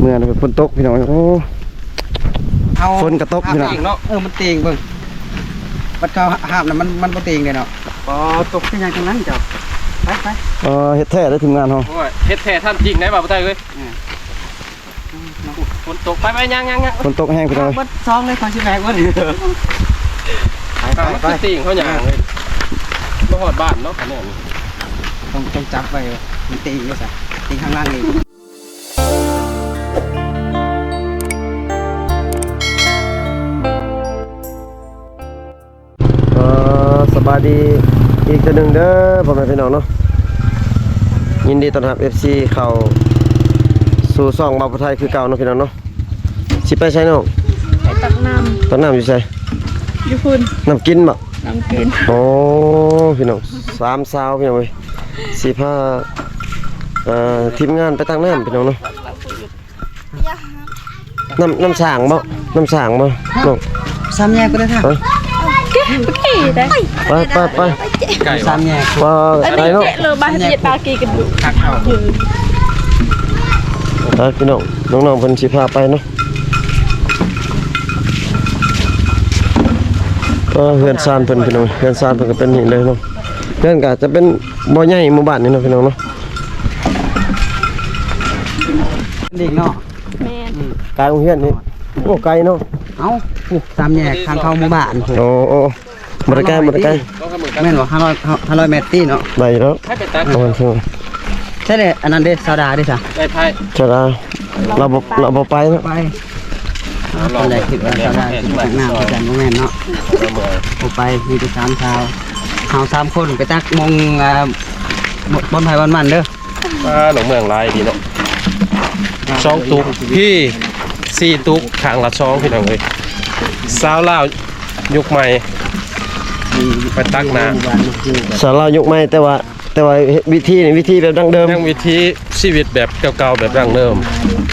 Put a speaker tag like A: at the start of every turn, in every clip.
A: มื่อนะฝนตกพี่น้องโอ้ฝนกระตกพี่น้อง
B: มันเตียงเบิ่งบัดเขาห้ามน่ะมันบ่เตียงเลยเนาะอ๋อตกที่ยังตรงนั้นเจ้าไป
A: เฮ็ดแท้ได้ทีมงานเฮา
C: เฮ็ดแท้ท่านจริงได้บ่าวไทยเอ้ยฝนตกไปยัง
A: ฝนตกแห้งพี่น้อง
B: บัดซองเลยขอสิแบกบ่
C: ไปติ่งเขาหยางเลยมาหอดบ้านเนาะขนาดนี้
B: ต้องจับไว้มันตีอยู่ซะตีข้างล่างนี่
A: สบายดีอีกตัวหนึ่งเด้อพ่อแม่พี่น้องเนาะยินดีต้อนรับ FC เข้าสู่ช่องบ่าวไทยคือเก่าเนาะพี่น้องเนาะสิไปใช้เนาะ
D: ไปตักน้
A: ำอยู่ใช่
D: อยู่พุ่น
A: น้ำกินบ่
D: น้ำกิน
A: โอ้พี่น้อง3 สาวพี่น้องเว้ยสิพาทีมงานไปตักน้ำพี่น้องเนาะน้ำสางบ่น้ำสางบ่น้อง
B: 3แยกก็ได้ค่ะ
D: กี่ได้
A: ไป
C: ไก่
B: 3แยก
A: ไปเนาะ
D: เลยบ้านเฮ็ดปลากีกันอยู่
B: คักเอา
A: พี่น้องน้องๆเพิ่นสิพาไปเนาะเฮือนซานเพิ่นพี่น้องเฮือนซานเพิ่นก็เป็นนี่เลยเนาะเฮือนก็จะเป็นบ่ใหญ่หมู่บ้านนี่เนาะพี่น้องเนาะ
B: เด็กเนาะ
D: แม่น
A: ไกลโรงเรียนนี่โอ้ไกลเนาะ
B: เอ้า3แยกทางเข้าหมู่บ้าน
A: โอ้บ่ได้ไกล
B: แม่นบ่500เมตรตีเนาะ
A: ได้แล้ว
C: ให้ไปตัก
B: ใช่เลยอันนั้นเด้ซาดาเด้ซะ
C: ได้ไผ
A: จะเราบ่ไปเนาะ
B: ไปตอนแรกคิดว่าซาดาสิตักน้ำไปกันบ่แม่นเนาะบ่ไปมีแต่3ชาวเฮา3คนไปตักมงบอนไผบอนมันเด้อ
C: หนองเมืองลายดีเนาะ2 ตุกพี่4 ตุกข้างละ2พี่น้องเอ้ยสาวลาวยุคใหม่ไปตักน้
A: ำสาวลาวยกไม้แต่ว่าวิธีแบบดั้งเดิม
C: ยังวิธีชีวิตแบบเก่าๆแบบดั้งเดิม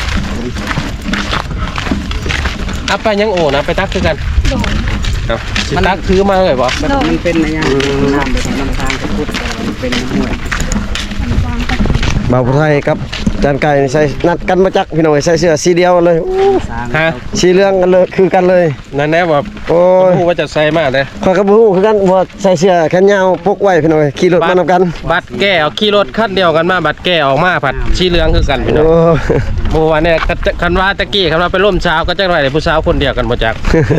C: เอาไปยังโอนะไปตักคือกันมันตักคือมาเลยบ่
B: มันเป็นอะไรอย่างน้ำแบบน้ำทางพุทธมันเป็นห้วย
A: บ่าวไทยครับจานไก่ใส่นัดกันมาจักพี่น้องใส่เสื้อสีเดียวเลย
C: ฮะ
A: สีเหลืองกันเลยคือกันเลย
C: นั่นแน่ว่า
A: โอ้ย
C: ว่าจะใส่มากเลย
A: ข้อยก็บ่ฮู้คือกันว่าใส่เสื้อแขนยาวพกไว้พี่น้องขี่รถมานำกัน
C: บัดแก้เอาขี่รถคันเดียวกันมาบัดแก้ออกมาผัดสีเหลืองคือกันพี่น้องบ่ว่าเนี่ยคันว่าตะกี้คันว่าไปร่วมเช้าก็จังได๋ผู้สาวคนเดียวกันบ่จัก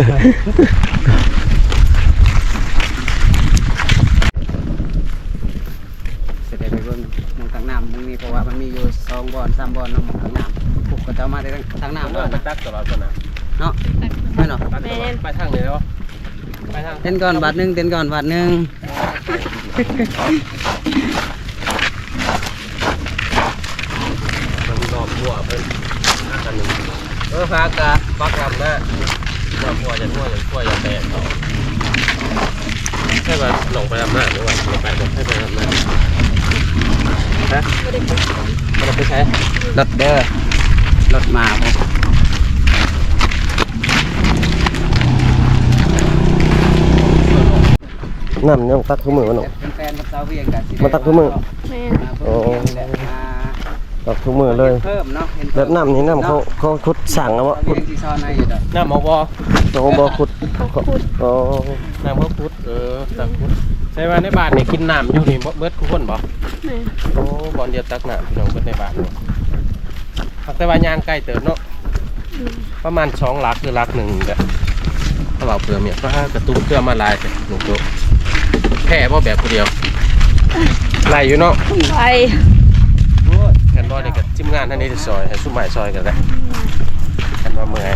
B: เพราะว่ามันมีอยู่2 บ่อน 3 บ่อนน้ำทางน้ำปลูกก็จะมาได้ทางน้ำด้วย
C: ไปตักตลอดคนน่ะ
B: เนาะไม่เนาะ
C: ไปทางไหนเนาะไปทาง
B: เต้นก่อนบาทนึงเต้นก่อนบาทนึง
C: ดอกบัวเพิ่นกันนึงพากะปักลำนะดอกบัวจะทั่วอย่าแตกเขาแค่ว่าลงไปลำหน้าหรือว่าลงไปให้ไปลำหน้าฮะเราไปใช้
B: รถเด้อรถมาบ่
A: น้ำยังตักทุกมื้อเนาะ
B: เป็นแฟนกับสาวเวียงกัน
A: มาตักทุกมื้อ
D: แม่
A: โอ้ตักทุกมื้อเลย
B: เพิ่มเนาะ
A: แบบน้ำนี่น้ำเขาขุดสั่งเอาวะขุด
C: น้ำหมอบ
A: โอ้บ่ขุดโอ้
C: น้ำเขาขุดตักขุดใช่ว่าในบ้านนี่กินน้ำอยู่นี่เบิดทุกคนบ่โอ้บ่อนเดียวตักน้ำพี่น้องเบิดในบ้านแต่ว่ายางใกล้เติบเนาะประมาณ2 หลักหรือหลัก1เด้อถ้าเราเปลือกเนี่ยก็กระตุ้นเกลือมาลายแต่หนูโตแค่บ่แบบคนเดียวไล่อยู่เนาะ
D: ไป
C: กันบ่ได้กับจิ้มงานท่านนี้ซอยให้ซุ่มหมายซอยกันเลยกันว่าเมื่อย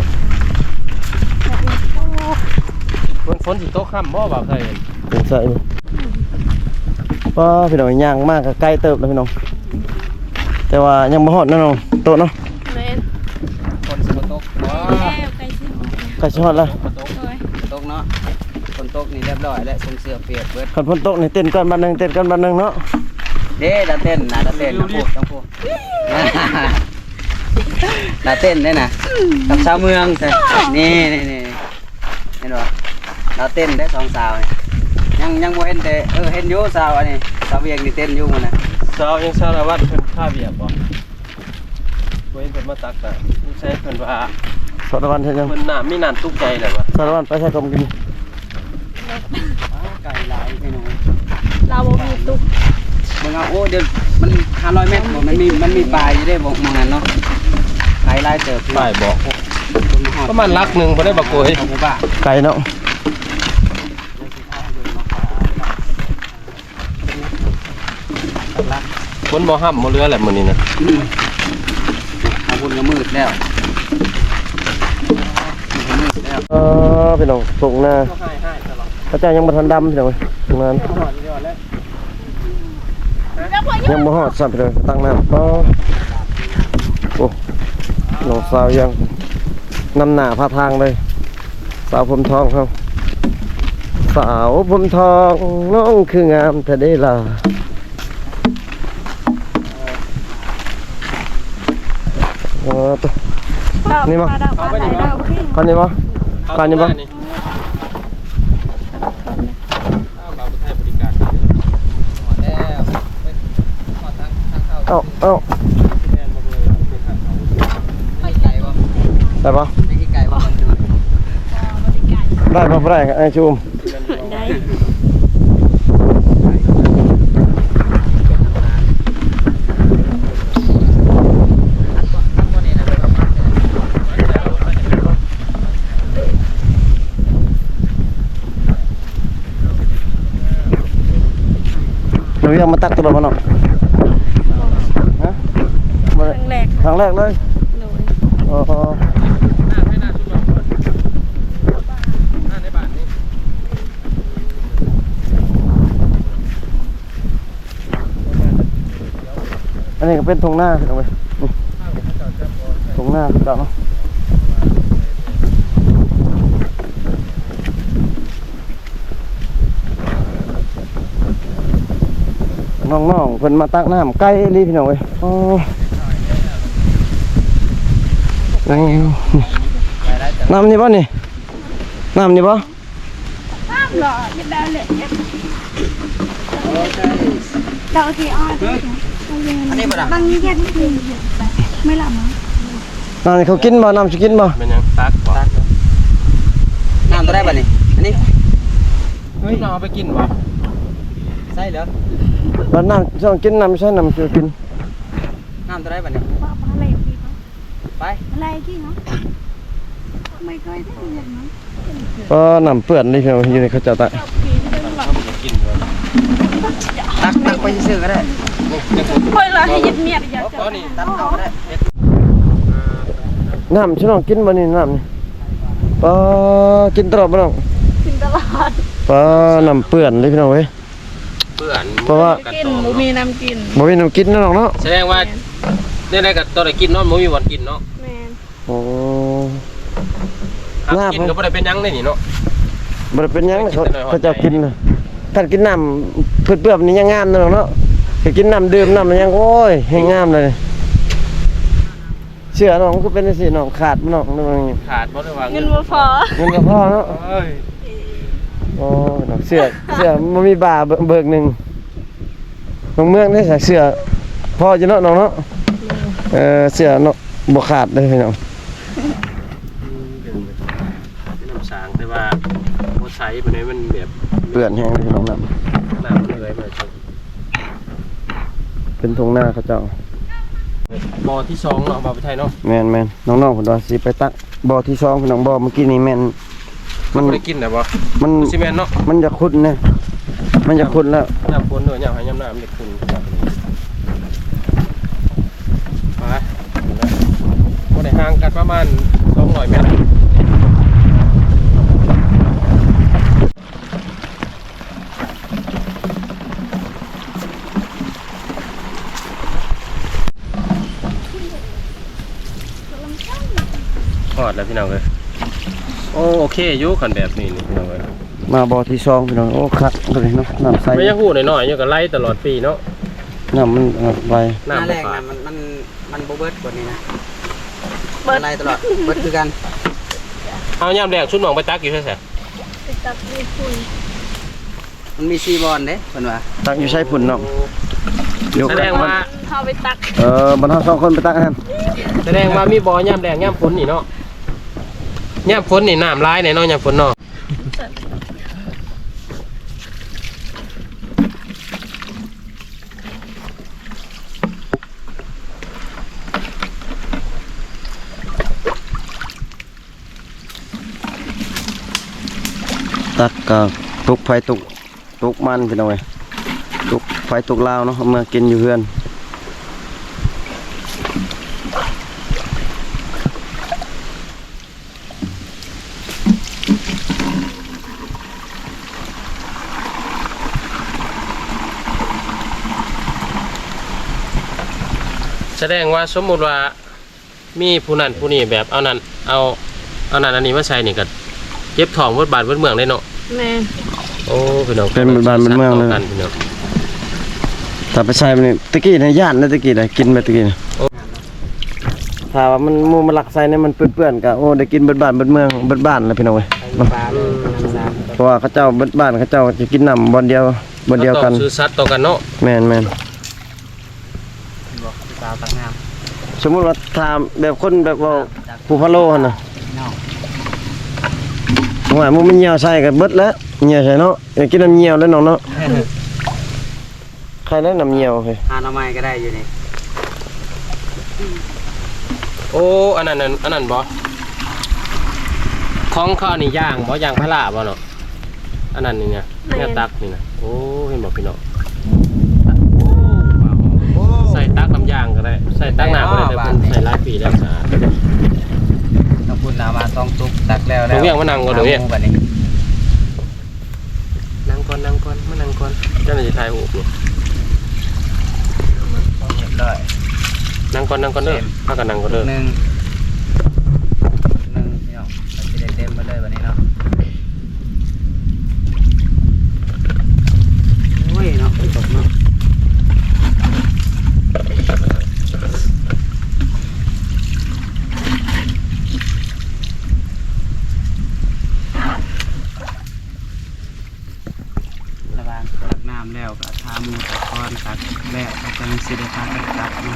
C: ฝนสิตกค่ำบ่บ่าวไทย
A: เป็นใส่ก็พี่น้องย่างมากก็ใกล้เติบแล้วพี่น้องแต่ว่ายังบ่ฮอดเนาะโตเนาะ
D: แม่น
B: ฝนสิบ่ตกบ่
A: ใกล้สิฮอดแล้ว
B: ตกเนาะฝนตกนี่เรียบร้อยแล้วส่งเสื้อเปียกเบิด
A: คันฝนตกนี่เต้นกันบัดนึงเนาะ
B: เด้ดาเต้นต้องพูดดาเต้นได้น่ะกับชาวเมืองนี่เห็นบ่ดาเต้นได้2 สาวยังบ่เห็นแต่เห็นอยู่สาวอันนี้สาวเวียงนี่เต้นอยู่มื้อน่ะ
C: สาวยังสารวัตรเพิ่นค่าเบียบบ่เว้นเพิ่นมาตักน่ะใช่เพิ่นว่า
A: สารวัตรใช่ยัง
C: เพิ่นน้ำมีน้ำตุกใจแหละวะ
A: สารวัตรไปใช้กรมกิน
B: ไก่ลายพี่น้อง
D: เราบ่มีตุ๊ก
B: มึงเอาโอ้เดี๋ยวมัน500 เมตรบ่มันมีปลายอยู่ได้บ่มองนั้นเนาะไก่ลายเติบ
C: ป้ายบอกประมาณลักหนึงบ่ได้บักโกย
B: ของหมู่บ้าน
A: ไก่เนาะ
C: ฝนบ่ห้ำบ่เรือแหละมื้อนี้นะ
B: เอาบุญก็มืดแล้วมืดแล้ว
A: พี่น้องส่งหน้า
C: ก็ให้ตลอด
A: พระเจ้ายังบ่ทันดำพี่น้องตรงนั้น
C: หอดยอดแล้ว
A: ยังบ่ฮอดซ้ำพี่น้องตั้งน้ำก็โอ้น้องสาวยังนำหน้าพาทางเลยสาวผมทองครับสาวผมทองน้องคืองามแต่ได้ล่ะตัว นี่มั้ง
D: เอาไปนี่มั้ง
A: ก่อนนี้บ่ก่อนนี้บ่
C: อ้าวบ่าวไทยบริการ
B: แล้วขอทางเข้า
A: เอ้า
C: แม่นบ่เลยเป็นทางเขา
B: ไม่ไก่บ่
A: ได้ปะ
B: ไม่ไก่บ่
A: ได้ปะบ่ได้ไอ้ชูม
D: ได้
A: หนูยังมาตักตัวบ่เนาะฮะบ่
D: ค
A: ได้
D: รั้งแรก
A: ครั้งแรกเลย
D: หนู
A: อ๋อ
C: หน้าให้หน้าชุดลองก่อนหน้าในบ้านนี่
A: อันนี้ก็เป็นทงหน้าพี่น้องเว้ยนี่ทงหน้าพี่น้องเนาะน้องๆเพิ่นมาตักน้ำใกล้ลีพี่น้องเว้ยอ๋อยังไงน้ำนี่บ่นี่น้ำนี่บ่
D: ห้ามหรอไม่ได้เลยเราที่อ้อย
B: อันนี้บ่ล่ะ
D: บางทีแค่ที่กินไม่หลับมั้ง
A: น้ำนี่เขากินบ่น้ำสิกินบ่
C: เป็นยังตักบ่
B: น้ำตัวได้บ่นี่อันนี้
C: เฮ้ยเราเอาไปกินบ่
B: ใช่เหรอ
A: บ่น้ำสิกินน้ำไม่ใช่น้ำสิกิน
B: น้ำตัวได้บ่นี่
D: ว่าอะไรพี่เขา
B: ไป
D: อะไรกี่เนาะไม่เคยได้ยินมั้ง
A: ก็น้ำเปื้อนนี่พี่น้องอยู่ในเขาเจ้าตะ
D: เราปีนเดินหลับ
C: เอาไปกินบ่
B: ตักไปซื้อก็ได้
D: เฮ้ยเราให้ยึดเมียไปอยาก
C: เอา
D: จะ
C: ก้อนนี่
B: ตักเอาก็ได้
A: น้ำสิน้องกินบ่นี่น้ำนี่ปอกินตลอดบ่น้อง
D: กินตลอด
A: ปอน้ำเปื้อนเลยพี่น้องเว้ย
C: เปื่อน
A: เพราะว่า
D: กินหมูมีน้ำกิน
A: บ่มีน้ำกินเนาะน้องเนาะ
C: แสดงว่าได้ๆก็ตอนได้กินเนาะบ่มีวันกินเนาะ
D: แมน
A: โอ้
C: หากินก็บ่ได้เป็นหยังได้นี่เนาะ
A: บ่ได้เป็นหยังเขาเจ้ากินน่ะถ้ากินน้ำเปื้อนๆนี่ยังงามเนาะน้องเนาะไปกินน้ำดื่มน้ำมันยังโอ้ยให้งามเลยเชื่อน้องก็เป็นจังซี่น้องขาดบ่น้องนึกว่าอย่างงี้
C: ขาดบ่ได้ว่า
D: เงินบ่พอ
A: เงินก็พอเนาะ
C: เอ้ย
A: โอ้น้องเสื้อมันมีบาเบิกหนึ่งน้องเมืองได้ใส่เสื้อพอจะเนาะน้องเนาะเสื้อเนาะบ่ขาดเลยพี่น้อง
C: เป็นน้ำสางแต่ว่าบ่ใช้ปานใดมันแบบ
A: เปื้อนแห้งเลยพี่น้องน้
C: น้ำมันเลยมาจัง
A: ำเป็นทงหน้าเขาเจ้า
C: บ่อที่2เนาะบ่าวไทยเนาะ
A: แม่นน้องๆผมว่าสิไปตักบ่อที่2พี่น้องบ่อเมื่อกี้นี่แม่น
C: มันบ่ได้กินได้บ่
A: มัน
C: ซีเมนต์เนาะ
A: มันจะขุ่นนะมันจะขุ่นแล้ว
C: น้ำฝนเด้อยามให้ยามน้ำเด็กคุณไปบ่ได้ห่างกันประมาณ200 เมตรพอดแล้วพี่น้องเอ้ยโอเคอยู่คันแบบนี้นี่พี่น้องเอ้ย
A: มาบ่อที่2พี่น้องโอ้คักเลยเนาะน้ำใส
C: ไม่ยังหูหน่อยๆอยู่ก็ไล่ตลอดปีเนาะ
A: น้ำมันไหล
B: หน้า
C: น้ำ
B: แร
C: บ่
B: ก
C: ขาด
B: นะมันบ่เบิดกว่านี้นะอะไรตลอดเบิดคือกัน
C: เอายามแดงชุดหมองไปตักอยู่ใช่ไหม
D: ไปตับมีคุย
B: มันมี4บอลเด้เพิ่นว่า
A: ตักอยู่ใช้ฝุ่นเนาะยก
C: แสดงว่า
D: เข้าไปตัก
A: บรรทัด2คนไปตักอาหาร
C: แสดงว่ามีบ่อย่ำแดงย่ำฝนนี่เนาะย่ำฝนนี่น้ำร้ายแน่เนาะย่ำฝนเนาะ
A: ตักก็ตุกไฟตุกมันพี่น้องเอ้ยตุกไฟตุกลาวเนาะเอามากินอยู่เฮือน
C: แสดงว่าสมมุติว่ามีผู้นั้นผู้นี้แบบเอานั้นเอานั้นอันนี้มาใส่นี่ก็เจ็บท้องเบิดบาดเบิดเมืองได้เนาะ
D: แม่
C: โอ้พี่น้อง
A: เป็นบ้านเป็นเมืองเลย
C: กันพี่น้อง
A: ถ้าไปใช้มันนี่ตะกี้ในย่านนะตะกี้นะกินไปตะกี้นะถ้าว่ามันหมูมันหลักใส่เนี่ยมันเปื้อนๆก็โอ้ได้กินเบิดบ้านเบิดเมืองเบิดบ้านแล้วพี่น้องเอ้ยเนาะ
B: ปลาเลยน้ำสาม
A: เพราะว่าเขาเจ้าเบิดบ้านเขาเจ้าจะกินน้ำบอนเดียวกัน
C: ต้องซื้อสัตว์ต่อกันเนาะ
A: แม่น
B: บอกปลาตักน้
A: สมมุติว่าถามแบบคนแบบว่า
B: ำ
A: ผู้พะโล้หั่นน่ะ
B: นอก
A: ว่ามันเหี่ยวใส่ก็เบิดแล้วเหี่ยวใส่เนาะอยากกินน้ำเหี่ยวแล้วน้องเนาะใครได้น้ำเหี่ยวเฮ้ย
B: หาหน่อไม้ก็ได้อยู่นี่
C: โอ้อันนั้นบ่ของข้าวนี่ย่างบ่ย่างพะลาบ่เนาะอันนั้นนี่เนี่ยแม่ตักนี่นะโอ้เห็นบ่พี่น้องใส่ตักน้ำย่างก็ได้ใส่ตักน้ำก็ได้แต่ผมใส่หลายปีแล้วสะอาด
B: ต้องพูดนามาต้องตุกตักแล้ว
C: หนูเวียงมานั่งก่อนหนูเวียง
B: บัดนี้
C: นั่งก่อนมานั่งก่อนเจ้าหน้าที่ถ่ายรูปอยู่
B: ต้องเรียบร้อย
C: นั่งก่อนเด้อพากันนั่งก่อนเด้อ
B: หนึ่งพี่น้องเราจะได้เต็มมาเลยวันนี้เนาะโอ้ยเนาะตกเนาะระบางตักน้ำแล้วก็ทามือตักก้อนตักแล้วก็จังสิได้พากันตักเนาะ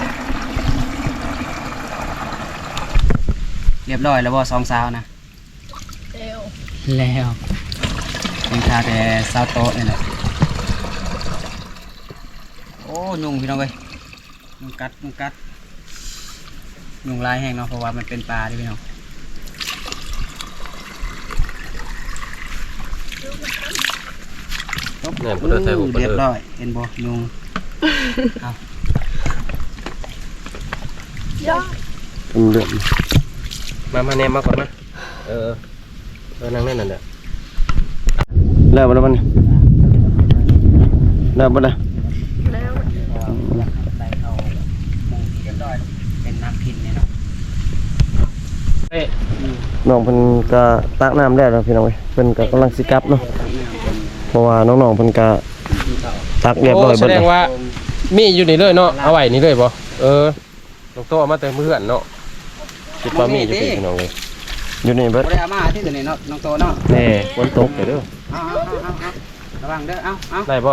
B: เรียบร้อยแล้วบ่สองสาวนะ
D: เร็ว
B: แล้วยังทาแต่ซาวโต๊ะนี่แหละโอ้ยุงพี่น้องเว้ยยุงกัดยุงลายแห้งเนาะเพราะว่ามันเป็นปลาดิพี่น้อง
C: เนี่ยผมเดินถ่ายรูปก่อน
B: เรียบ
C: เด้อ
B: ร้อยเห็นบ่ยุงเอา
D: ย่อ
A: เดือด
C: มาแนมมาก่อนมานั่งนั่นน่ะ
A: แล้วบ่แล้วมันแล้วบ่ได้
D: แล้ว
B: ใส่เข้ามุงเรียบร้อยเป็นน้ำพินเนี่ยเนาะ
C: เอ้ย
A: น้องเพิ่นก็ตักน้ำแล้วพี่น้องเอ้ยเพิ่นก็กำลังสิกลับเนาะเพราะว่าน้องๆเพิ่นก็ตักเรียบร้อย
C: แส
A: เบิด
C: ด
A: แล้
C: ง
A: ว
C: ว่ามีอยู่นี่เลยเนาะเอาไว้นี่เลยบ่น้องโตเอามาแต่เพื่อนเนาะคิดว่ามีอยู่พี่น้องเลย
A: อยู่นี่เบิด
B: บ่ได้เอามาที่ตัวนี้เนาะน้องโตเนาะ
C: แน่ฝนตกเด้อ
B: เอาระวังเด้อเอา
C: ได้บ่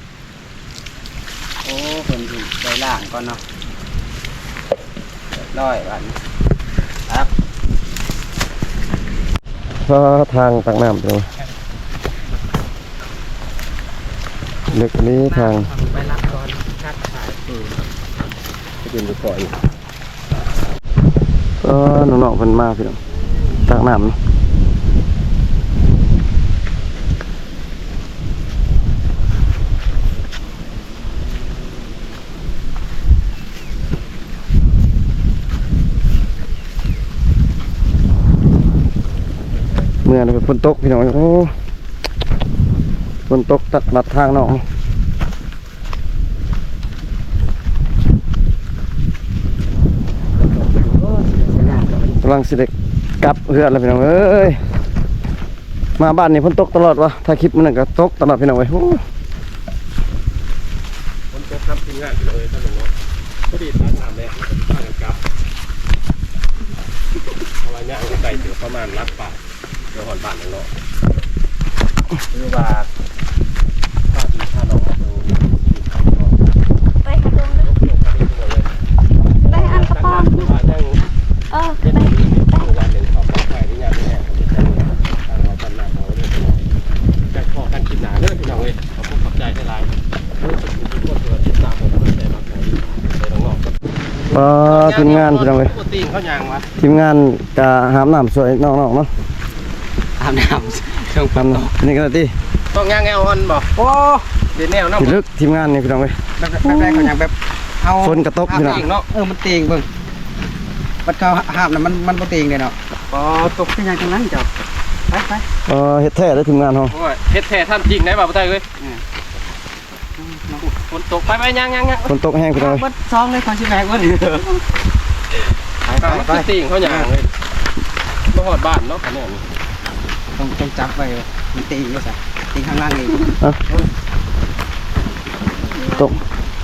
B: โอ้เพิ่นสิไปล่างก่อนเนาะเรียบร้อยบัดนี้ครับ
A: เพราะทางตักน้ำพี่น้องเล็กนี้ทาง
B: ไปรับก่อนคัดขาย
C: ไปกินดูก่อน
A: น้องๆเพิ่นมาพี่น้องตักน้ำเนาะเมื่อนี่เป็นฝนตกพี่น้องโอ้ฝนตกตัดลัดทางน้องกำลังสิเด็กกลับเฮือนแล้วพี่น้องเอ้ยมาบ้านนี่ฝนตกตลอดวะถ้าคลิปมันนก็ตกตลอดพี่น้องเอ้ยโอ้
C: ฝนตกครับทีมงานเลยท่านหนุ่มเนาะพอดีตักน้ำแล้วพากันกลับเพราะว่าย่างไก่ถึงประมาณรักป่าเดี๋ยวหอนบ้านนั่นเนาะคือว่าถ้าน้องมาดู
D: ไปหา
A: ทีมงานพี่น้องเอ้ย
C: ปกติเขาย่างวะ
A: ทีมงานกะหามน้ำสวยน้องๆเนาะ
B: อาบน้ำช่วง
A: ทำนี่กันติ
C: ต้องย่างแนวอ่อนบ่
B: โอ้
C: เดี๋ยวแนวเนาะ
A: พี่ลึกทีมงานนี่พี่น้องเอ้ย
B: แบบเขาอย่างแบบเอา
A: ฝนกระทบพี่น้อง
C: เนาะ
B: มันเตียงเบิ่งมันเขาห้ามนะมันบ่เตียงเลยเนาะอ๋อตกที่ยังตรงนั้นเจ้าไป
A: เฮ็ดแท้ได้ทีมงานเฮา
C: โอ้ยเฮ็ดแท้ทำจริงได้บ่าวไทยเอ้ยฝนตกไปย่าง
A: ฝนตกแห้งพี่น้องเอ้ย
B: วัดซองเลยของชิแบกวัด
C: ไปติ่งเขาย่างเลยบ่ฮอดบ้านเนาะอันนี้
B: ต้องจับไว้มันตีอยู่ซะตีข้างล่างนี่
A: ตก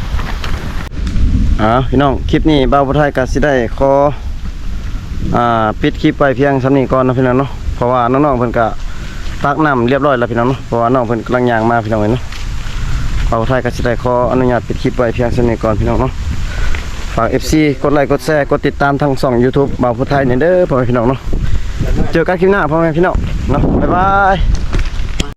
A: พี่น้องคลิปนี้บ่าวผู้ไทยก็สิได้ขอปิดคลิปไปเพียงส่ำนี้ก่อนนะพี่น้องเนาะเพราะว่าน้องๆเพิ่นก็ตักน้ำเรียบร้อยแล้วพี่น้องเนาะเพราะว่าน้องเพิ่นกำลังย่างมาพี่น้องเอ้ยเนาะบ่าวผู้ไทยก็สิได้ขออนุญาตปิดคลิปไว้เพียงส่ำนี้ก่อนพี่น้องเนาะฝาก FC กดไลค์กดแชร์กดติดตามทางช่อง YouTube บ่าวผู้ไทยนี่เด้อพ่อแม่พี่น้องเนาะเจอกันคลิปหน้าพ่อแม่พี่น้องเนาะบ๊ายบาย